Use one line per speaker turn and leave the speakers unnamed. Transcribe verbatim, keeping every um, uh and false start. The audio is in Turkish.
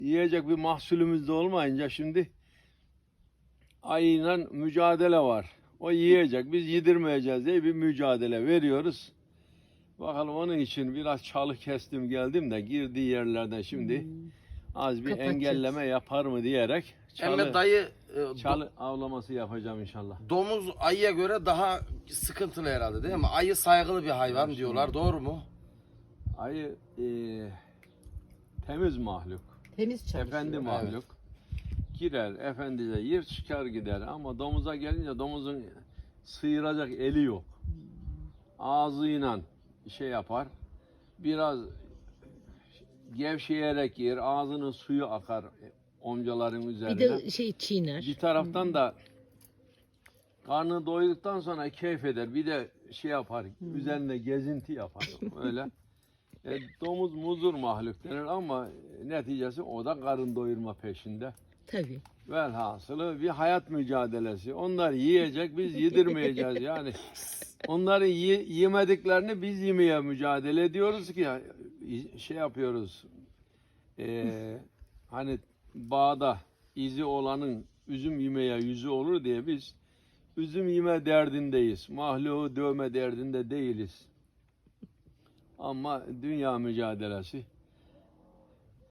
yiyecek bir mahsulümüz de olmayınca şimdi ayıyla mücadele var. O yiyecek, biz yedirmeyeceğiz diye bir mücadele veriyoruz. Bakalım onun için biraz çalı kestim geldim de girdiği yerlerden şimdi az bir
Kapatacağız.
engelleme yapar mı diyerek çalı,
Emme dayı e, do-
çalı avlaması yapacağım inşallah.
domuz ayıya göre daha sıkıntılı herhalde değil mi? Ayı saygılı bir hayvan
Evet,
diyorlar.
şimdi-
Doğru mu?
Ayı e, temiz mahluk,
Temiz çalışıyor.
efendi mahluk. Girer, efendice yer çıkar gider ama domuza gelince domuzun sıyıracak eli yok. Ağzıyla şey yapar, biraz gevşeyerek yer, ağzının suyu akar omcaların
Bir
üzerine.
de şey çiğner.
Bir taraftan da karnı doyduktan sonra keyif eder. Bir de şey yapar, üzerinde gezinti yapar. Öyle. E, domuz muzur mahluk denir ama neticesi o da karın doyurma peşinde.
Tabii.
Velhasılı bir hayat mücadelesi. Onlar yiyecek, biz yedirmeyeceğiz. Yani onların ye- yemediklerini biz yemeye mücadele ediyoruz ki şey yapıyoruz. Ee, hani bağda izi olanın üzüm yemeye yüzü olur diye biz üzüm yeme derdindeyiz. Mahluğu dövme derdinde değiliz. Ama dünya mücadelesi